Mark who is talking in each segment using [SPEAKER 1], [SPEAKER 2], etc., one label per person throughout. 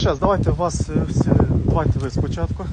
[SPEAKER 1] Зараз, давайте вас всі, давайте ви спочатку.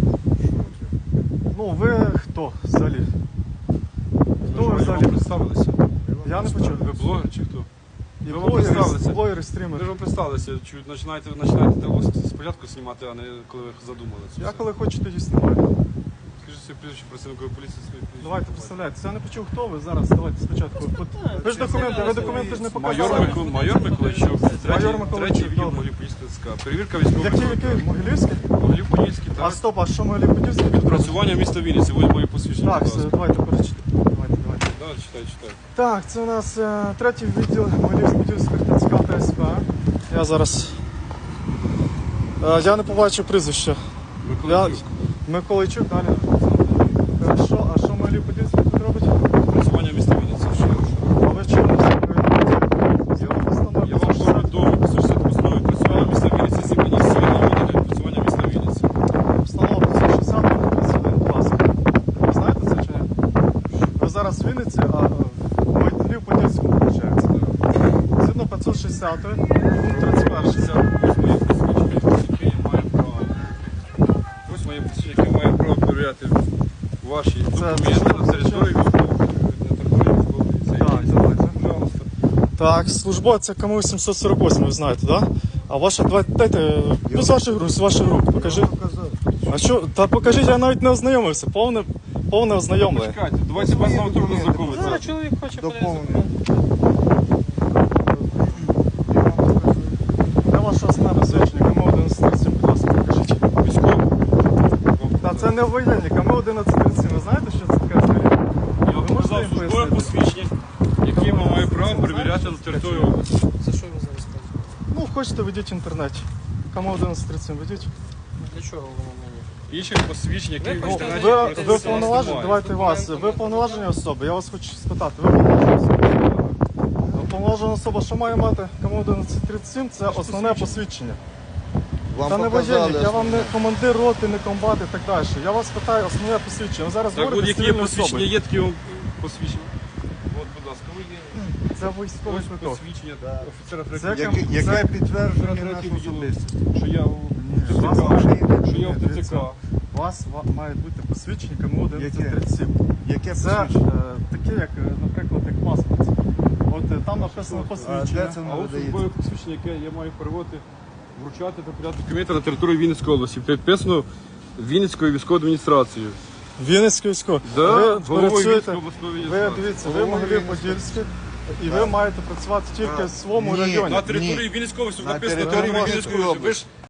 [SPEAKER 1] Ну, ви хто взагалі? Хто ви взагалі?
[SPEAKER 2] Представилися.
[SPEAKER 1] Я не почув.
[SPEAKER 2] Ви блогер чи хто?
[SPEAKER 1] І
[SPEAKER 2] Ви вам представилися.
[SPEAKER 1] блогери,
[SPEAKER 2] Ви
[SPEAKER 1] стрімери.
[SPEAKER 2] ж вам представилися, чуть починаєте спочатку знімати, а не коли ви задумали це.
[SPEAKER 1] Я
[SPEAKER 2] все.
[SPEAKER 1] коли хочу, тоді знімаю.
[SPEAKER 2] Скажіть своє прізвище працівникові поліції, своє прізвище.
[SPEAKER 1] Давайте представляйтеся. Я не почув, хто ви зараз. Давайте спочатку. Ви ж документи ж не показали.
[SPEAKER 2] Майор Миколайчук,
[SPEAKER 1] Майор
[SPEAKER 2] третій
[SPEAKER 1] Миколайчук,
[SPEAKER 2] відділ
[SPEAKER 1] добре.
[SPEAKER 2] Могилів-Подільського ТЦК. Перевірка військових.
[SPEAKER 1] Який? Могилівський?
[SPEAKER 2] Могилів-Подільський,
[SPEAKER 1] А
[SPEAKER 2] так.
[SPEAKER 1] стоп, а що Могилів-Подільський тут робить?
[SPEAKER 2] Працювання міста Вінниці, ось моє посвідчення.
[SPEAKER 1] Так,
[SPEAKER 2] будь
[SPEAKER 1] все,
[SPEAKER 2] ласка.
[SPEAKER 1] давайте перечитайте. Давайте.
[SPEAKER 2] Да, читай.
[SPEAKER 1] Так, це у нас третій відділ Могилів-Подільських ТЦК та СП. Я зараз... Я не побачив прізвище.
[SPEAKER 2] Миколайчук.
[SPEAKER 1] Миколайчук, далі. Хорошо, а що Могилів-Подільський тут робить?
[SPEAKER 2] Працювання міста Вінниці.
[SPEAKER 1] А ви чому?
[SPEAKER 2] Я вам повідомив, по 160 постанови працювання міста Вінниці, зібрані цивільні відділи працювання міста Вінниці.
[SPEAKER 1] Встановлено 160 будь ласка. Ви знаєте це чи ні? Ви зараз в Вінниці, а в Могилів-Подільському, виходить. Згідно 560, пункт 31.
[SPEAKER 2] Ось моє посвідчення, яке має право перевіряти ваші документи на території військової
[SPEAKER 1] Так,
[SPEAKER 2] поліції.
[SPEAKER 1] давайте.
[SPEAKER 2] Пожалуйста.
[SPEAKER 1] Так, службовця КМУ 748, ви знаєте, так? Да? А ваша, давайте, дайте, ну, з ваших рук, покажи. А що, та покажіть, я навіть не ознайомився, повне ознайомлення.
[SPEAKER 2] Почекайте, давайте вас на трудно знайомитися.
[SPEAKER 3] Зараз чоловік хоче подивитися.
[SPEAKER 1] Де ваше основне посвідчення? КМУ 1137, будь ласка, покажіть.
[SPEAKER 2] Військовий.
[SPEAKER 1] Та це не воєнні, КМУ 1137, ви знаєте, що це таке взагалі?
[SPEAKER 2] Я вам показав службове посвідчення, яке має право перевіряти на територію області.
[SPEAKER 3] За що ви зараз кажете?
[SPEAKER 1] Ну, хочете, ведіть в інтернеті. КМУ 1137 ведіть.
[SPEAKER 3] Для чого воно мені?
[SPEAKER 2] Інших посвідчень, які в
[SPEAKER 3] Ну,
[SPEAKER 2] інтернеті
[SPEAKER 1] Ви
[SPEAKER 2] користуються,
[SPEAKER 1] повноважені,
[SPEAKER 2] немає.
[SPEAKER 1] давайте вас, ви повноважені особи, я вас хочу спитати, ви повноважені особи? Повноважена особа, що має мати КМУ 1137, це основне посвідчення. Та не воєнник, я вам не командир роти, не комбат і так далі. Я вас питаю основне посвідчення. Ви зараз
[SPEAKER 2] Так,
[SPEAKER 1] говорите
[SPEAKER 2] будь-які
[SPEAKER 1] з
[SPEAKER 2] є
[SPEAKER 1] цивільною
[SPEAKER 2] посвідчення,
[SPEAKER 1] особою.
[SPEAKER 2] є такі вам посвідчення. От, будь ласка, ви є.
[SPEAKER 1] Це військовий
[SPEAKER 2] Ось
[SPEAKER 1] квиток.
[SPEAKER 2] посвідчення офіцера
[SPEAKER 1] Це
[SPEAKER 2] третього.
[SPEAKER 4] Яке підтверджує
[SPEAKER 2] Третього
[SPEAKER 4] нашу
[SPEAKER 2] відділу,
[SPEAKER 4] особистість.
[SPEAKER 2] що я в
[SPEAKER 1] Вас
[SPEAKER 2] ТЦК,
[SPEAKER 1] ваше
[SPEAKER 2] що я в ТЦК.
[SPEAKER 1] Дивіться. У вас має бути посвідчення КМУ 1137.
[SPEAKER 4] Яке
[SPEAKER 1] Це
[SPEAKER 4] посвідчення?
[SPEAKER 1] таке, як, наприклад, як паспорт. От там написано
[SPEAKER 4] А
[SPEAKER 1] посвідчення.
[SPEAKER 4] де це
[SPEAKER 2] А
[SPEAKER 4] не
[SPEAKER 2] ось
[SPEAKER 4] видається?
[SPEAKER 2] службове посвідчення, яке я маю переводити, вручати та передати документи на територію Вінницької області. Підписано Вінницькою військовою адміністрацією.
[SPEAKER 1] Вінницький військовий.
[SPEAKER 2] Да,
[SPEAKER 1] Ви
[SPEAKER 2] головою
[SPEAKER 1] працюєте,
[SPEAKER 2] Вінницької обласної
[SPEAKER 1] ви
[SPEAKER 2] адміністрації.
[SPEAKER 1] дивіться, ви Могилів-Подільський, і ви маєте працювати тільки в своєму
[SPEAKER 4] Ні.
[SPEAKER 1] районі.
[SPEAKER 2] На території Вінницької області
[SPEAKER 4] На
[SPEAKER 2] написано
[SPEAKER 4] території
[SPEAKER 2] території Вінницької області. Ви ж